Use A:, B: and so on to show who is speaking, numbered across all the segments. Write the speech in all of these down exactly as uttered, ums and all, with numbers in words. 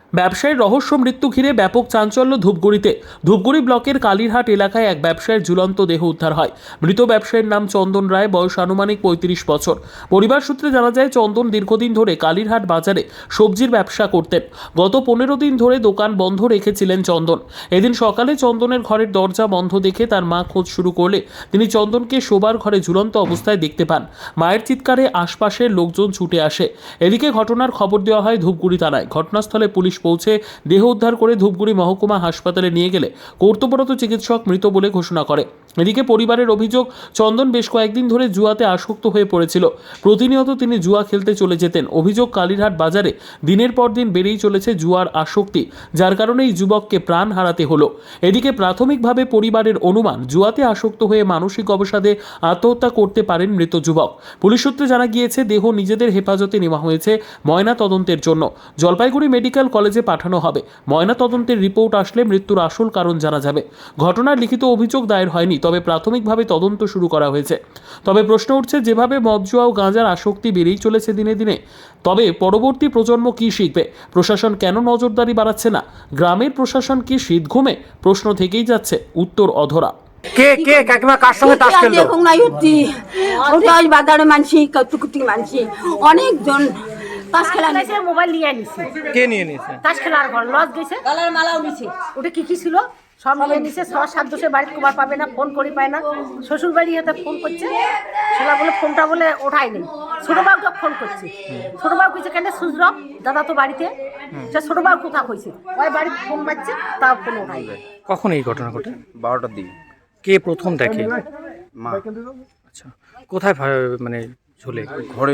A: ব্যবসায়ীর রহস্য মৃত্যু ঘিরে ব্যাপক চাঞ্চল্য ধূপগুড়িতে। ধূপগুড়ি ব্লকের কালীরহাট এলাকায় এক ব্যবসায়ীর ঝুলন্ত দেহ উদ্ধার হয়। মৃত ব্যবসায়ীর নাম চন্দন রায়, বয়স আনুমানিক পঁয়ত্রিশ বছর। পরিবার সূত্রে জানা যায়, চন্দন দীর্ঘদিন ধরে কালীরহাট বাজারে সবজির ব্যবসা করতেন। গত পনেরো দিন ধরে দোকান বন্ধ রেখেছিলেন চন্দন। এদিন সকালে চন্দনের ঘরের দরজা বন্ধ দেখে তার মা খোঁজ শুরু করলে তিনি চন্দনকে শোবার ঘরে ঝুলন্ত অবস্থায় দেখতে পান। মায়ের চিৎকারে আশপাশের লোকজন ছুটে আসে। এদিকে ঘটনার খবর দেওয়া হয় ধূপগুড়ি থানায়। ঘটনাস্থলে পুলিশ পৌঁছে দেহ উদ্ধার করে ধূপগুড়ি মহকুমা হাসপাতালে নিয়ে গেলে কর্তব্যরত চিকিৎসক মৃত বলে ঘোষণা করে। এদিকে পরিবারের অভিযোগ, চন্দন বেশ কয়েকদিন ধরে জুয়াতে আসক্ত হয়ে পড়েছিল। প্রতিনিয়ত তিনি জুয়া খেলতে চলে যেতেন। অভিযোগ, কালীরহাট বাজারে দিনের পর দিন বেড়েই চলেছে জুয়ার আসক্তি, যার কারণে এই যুবককে প্রাণ হারাতে হলো। এদিকে প্রাথমিকভাবে পরিবারের অনুমান, জুয়াতে আসক্ত হয়ে মানসিক অবসাদে আত্মহত্যা করতে পারেন মৃত যুবক। পুলিশ সূত্রে জানা গিয়েছে, দেহ নিজেদের হেফাজতে নেওয়া হয়েছে ময়না তদন্তের জন্য। জলপাইগুড়ি মেডিকেল কলেজে পাঠানো হবে। ময়না তদন্তের রিপোর্ট আসলে মৃত্যুর আসল কারণ জানা যাবে। ঘটনার লিখিত অভিযোগ দায়ের হয়নি, তবে প্রাথমিকভাবে তদন্ত শুরু করা হয়েছে। তবে প্রশ্ন উঠছে, যেভাবে মদ জুয়া ও গাঁজার আসক্তি বেড়েই চলেছে দিনে দিনে, তবে পরবর্তী প্রজন্ম কি শিখবে? প্রশাসন কেন নজরদারি বাড়াচ্ছে না? গ্রামের প্রশাসন কি শীত ঘুমে? প্রশ্ন থেকেই যাচ্ছে, উত্তর অধরা।
B: কে কে কাকিমা কার সঙ্গে তাস খেলতো?
C: দেখুন না ইউতি ওটাই বাজারে মানছি কতুকুতি মানছি অনেকজন তাস খেলা
D: গেছে, মোবাইল নিয়ে নিছে।
B: কে নিয়ে নিয়েছে?
D: তাস খেলার ঘর লজ গেছে, গলার মালাও নিছে। ওটা কি কি ছিল সব নিয়ে নিছে। ছ সাত দোষে বাড়িতে কুমার পাবে না, ফোন করি পায় না। শ্বশুর বাড়ি হাতে ফোন করছে, সেটা বলে ফোনটা বলে ওঠাই নেই। ছোট বাবুকে ফোন করছে, ছোট বাবু কইছে কেন সুজরব দাদা তো বাড়িতে। সে ছোট বাবু কোথা কইছে, ওই বাড়িতে ফোন মারছে, তাও ফোন ওঠাই নেই।
B: কখন এই ঘটনা ঘটে?
E: বারোটার দিকে।
B: কে প্রথম দেখে?
E: মা।
B: আচ্ছা, কোথায় ফা- মানে ঝুলে?
E: ঘরে,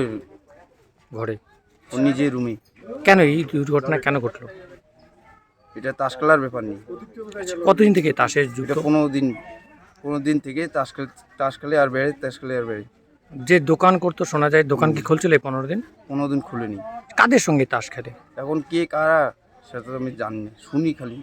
B: ঘরে।
E: ও নিজের রুমে।
B: কেন এই দুর্ঘটনা কেন ঘটলো?
E: এটা তাস খেলার ব্যাপার নেই।
B: আচ্ছা, কতদিন থেকে তাসের যুদ্ধ?
E: এটা পনেরো দিন পনেরো দিন থেকে তাস খেল তাস খেলে আর বেড়ে তাস খেলে আর বেড়ে
B: যে দোকান করতো শোনা যায়, দোকান কি খুলছিল এই পনেরো দিন?
E: পনেরো দিন খুলেনি।
B: কাদের সঙ্গে তাস খেলে?
E: এখন কে কারা সেটা তো আমি জানি না, শুনি খালি।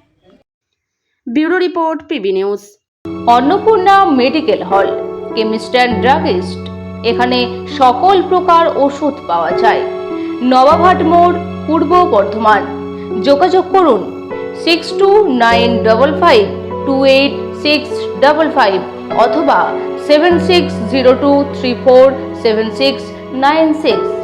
F: Bureau report, PB news. Annapurna medical hall, chemist and druggist. এখানে সকল প্রকার ওষুধ পাওয়া যায়। নবাবহাট মোড়, পূর্ব বর্ধমান। যোগাযোগ করুন six two nine double five two eight six double five অথবা seven six zero two three four seven six nine six.